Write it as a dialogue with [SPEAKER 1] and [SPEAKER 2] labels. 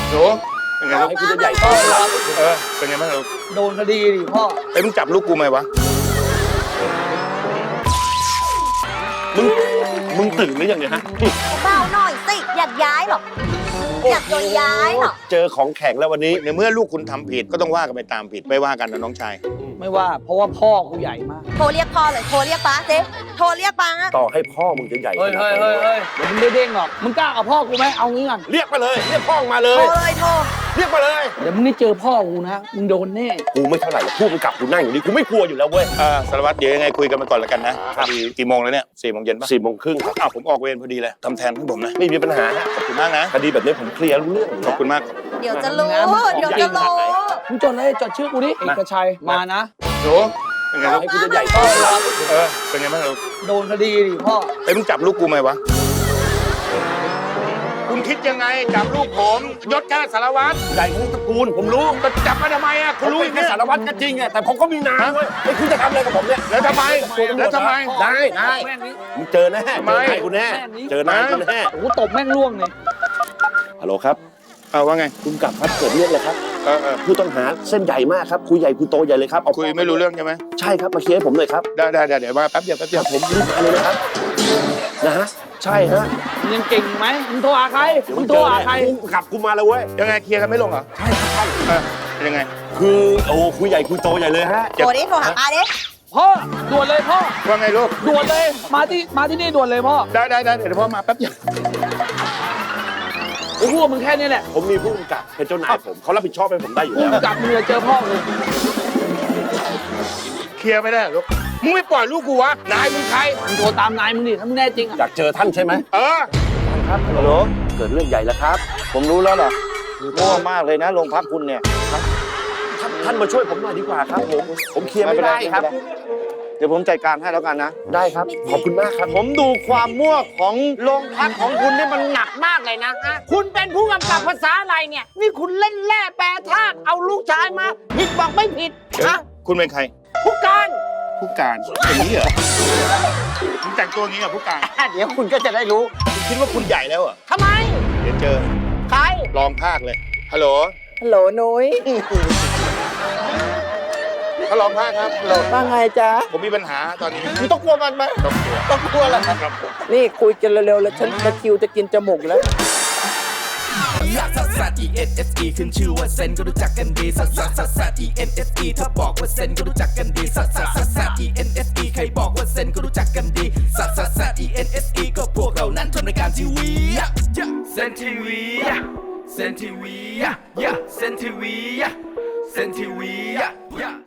[SPEAKER 1] โหเป็นไงลูก
[SPEAKER 2] ให้คุณจะใหญ่โตแล้ว
[SPEAKER 1] เป็นไงบ้างลูก
[SPEAKER 3] โดนคดีดิพ่อ
[SPEAKER 1] มึงจับลูกกูไหมวะ
[SPEAKER 2] มึงตื่นหรือยังเนี่ยฮะ
[SPEAKER 4] เบาหน่อยสิอยากย้ายหรออยากโดนย้ายหรอ
[SPEAKER 2] เจอของแข็งแล้ววันนี้
[SPEAKER 1] ในเมื่อลูกคุณทำผิดก็ต้องว่ากันไปตามผิดไม่ว่ากันนะน้องชาย
[SPEAKER 3] ไม่ว่าเพราะว่าพ่อกูใหญ่มาก
[SPEAKER 4] โทรเรียกพ่อเลยโทรเรียกป้าเจ๊โทรเรียกป้า
[SPEAKER 2] ต่อให้พ่อมึงจะใหญ่
[SPEAKER 3] เฮ้ยเฮ้ยเฮ้ยเฮ้ยเดี๋ยวมึงได้เด้งหรอกมึงกล้าเอาพ่อกูไหมเอางี้ก่อน
[SPEAKER 2] เรียกมาเลยเรียกพ่อมาเล
[SPEAKER 4] โทร
[SPEAKER 2] ย
[SPEAKER 4] เลยโทร
[SPEAKER 2] เรียกมาเลย
[SPEAKER 3] เดี๋ยวมึงได้เจอพ่อกูนะมึงโดนแน่
[SPEAKER 2] กูไม่เท่าไหร่แล้วพูดมึงกลับกูนั่งอยู่นี่กูไม่กลัวอยู่แล้วเว้ย
[SPEAKER 1] สารวัตรเดี๋ยวยังไงคุยกันไปก่อนแล้วกันนะพอดีกี่โมงแล้วเนี่ย4 โมงเย็นปะ
[SPEAKER 2] 4 โมงครึ่งครับ
[SPEAKER 1] อ้าวผมออกเวรพอดีเลยทำแทนให้ผมนะ
[SPEAKER 2] ไม่มีปัญหาฮะ
[SPEAKER 1] ขอบคุณมากนะ
[SPEAKER 2] คดีแบบนี้ผมเคลียร์รู้เรื่อง
[SPEAKER 1] ขอบคุณมาก
[SPEAKER 4] เดี๋ยวจะรู้เดี๋ยวจะรู้
[SPEAKER 3] มึงจดเลยจดชื่อกูดิเอกชัยมานะ
[SPEAKER 1] โหเป็นไงลูก
[SPEAKER 2] ให้คุณจะใหญ่โตแล้ว
[SPEAKER 1] เป็นไงบ้างลูก
[SPEAKER 3] โดนคดีดิพ่อ
[SPEAKER 1] มึงจับลูกกูไหมวะคุณคิดยังไงจับลูกผมยศแค่สารวัตร
[SPEAKER 2] ใหญ่ของตระกูลผมรู้
[SPEAKER 1] ก็จับมาทำไมอ่ะคุณรู้
[SPEAKER 2] รู้
[SPEAKER 1] อย่าง
[SPEAKER 2] แค่
[SPEAKER 1] นี้
[SPEAKER 2] สารวัตรก็จริงอะแต่ผมก็มีนามเว้ยไอ้คุณจะทำอะไรกับผมเนี่ย
[SPEAKER 1] แล้วทำไมแล้วทำไม
[SPEAKER 2] ได้
[SPEAKER 3] แม่งนี้
[SPEAKER 2] มึงเจอแน่
[SPEAKER 1] ทำไม
[SPEAKER 2] เจอนายคุณแน่เจอนายคุณแน่
[SPEAKER 3] โอ้โหตบแม่งล่วงเลย
[SPEAKER 2] ฮัลโหลครับ
[SPEAKER 1] ว่าไง
[SPEAKER 2] คุณกลับครับเกิดเรื่องเลยครับ ผู้ต้องหาเส้นใหญ่มากครับคุยใหญ่คุยโตใหญ่เลยครับเอา
[SPEAKER 1] คุยไม่รู้เรื่องใช่ไหม
[SPEAKER 2] ใช่ครับมาเคลียร์ให้ผมเลยครับ
[SPEAKER 1] ได้เดี๋ยวมาแป๊บเดียว
[SPEAKER 2] ผมรีบไปเลยนะครับนะฮะใช่ฮะ
[SPEAKER 3] มึงยังเก่งไหมมึงโทรหาใครมึงโทรหาใคร
[SPEAKER 2] กูกลับกูมาแล้วเว้ย
[SPEAKER 1] ยังไงเคลียร์กันไม่ลงเหรอ
[SPEAKER 2] ใช่ครับ
[SPEAKER 1] ยังไง
[SPEAKER 2] คือโอ้คุยใหญ่คุยโตใหญ่เลยฮะ
[SPEAKER 4] โทรดิโทรหาป้าดิ
[SPEAKER 3] พ่อด่วนเลยพ่อ
[SPEAKER 1] ว่าไงลูก
[SPEAKER 3] ด่วนเลยมาที่นี่ด่วนเลยพ่อ
[SPEAKER 1] ได้เดี๋ยวพ่อมาแป๊บเดียว
[SPEAKER 3] กูพูดกับมึงแค่นี้แหละ
[SPEAKER 2] ผมมีผู้กำกับเป็นเจ้านายผมเขารับผิดชอบให้ผมได้อยู่
[SPEAKER 3] กู
[SPEAKER 2] แล้ว
[SPEAKER 3] กลับมึงจะเจอพ่อกู
[SPEAKER 1] เคลียร์ไม่ได้เหรอลูกมึงไม่ปล่อยลูกกูวะนายมึงใคร
[SPEAKER 3] มึงโทรตามนายมึงดิถ้ามึงแน่จริง
[SPEAKER 2] อ
[SPEAKER 3] อ่ะ
[SPEAKER 2] ยากเจอท่านใช่ไหม
[SPEAKER 5] ครับฮัลโหล
[SPEAKER 2] เกิดเรื่องใหญ่แล้วครับ
[SPEAKER 5] ผมรู้แล้วเหรอมั่วมากเลยนะโรงพักคุณเนี่ย
[SPEAKER 2] ท่านมาช่วยผมหน่อยดีกว่าครับผมเคลียร์ไม่ได้ครับ
[SPEAKER 5] เดี๋ยวผมจัดการให้แล้วกันนะ
[SPEAKER 2] ได้ครับขอบคุณมากครับ
[SPEAKER 5] ผมดูความมั่วของโรงพักของคุณนี่มันหนักมากเลยนะฮะคุณเป็นผู้กำกับภาษาอะไรเนี่ย นี่คุณเล่นแร่แปรธาตุเอาลูกชายมา ผิดบอกไม่ผิดฮะ
[SPEAKER 1] คุณเป็นใคร
[SPEAKER 5] ผู้การ
[SPEAKER 1] ผู้การอย่างนี้เหรอมึงแต่งตัวอย่างนี้เหรอผู้การ
[SPEAKER 5] เดี๋ยวคุณก็จะได้รู้
[SPEAKER 1] คุณคิดว่าคุณใหญ่แล้วเหรอ
[SPEAKER 5] ทำไม
[SPEAKER 1] เดี๋ยวเจอ
[SPEAKER 5] ใคร
[SPEAKER 1] ลองภาคเลยฮัลโหล
[SPEAKER 6] ฮัลโหลนุ้ย
[SPEAKER 1] เขาลองภาคครับ
[SPEAKER 6] ว่าไงจ๊ะ
[SPEAKER 1] ผมมีปัญหาตอนนี้
[SPEAKER 5] คุณต้องกลัวมันไหม
[SPEAKER 1] ต้องกลัว
[SPEAKER 5] ต้องกลัวแหละ
[SPEAKER 1] ครับผม
[SPEAKER 6] นี่คุยกันเร็วๆแล้วฉันตะคริวจะกินจมูกอยู่แล้ว
[SPEAKER 7] ลักซัสซัส E N S E ขึ้นชื่อว่าเซนก็รู้จักกันดีซัสซัสซัสซัส E N S E ถ้าบอกว่าเซนก็รู้จักกันดีซัสซัสซัสซัส E N S E ใครบอกว่าเซนก็รู้จักกันดีซัสซัสซัส E N S E ก็พวกเรานั้นทำรายการทีวีเซนทีวีเซนทีวีเซนทีวีเซนทีวี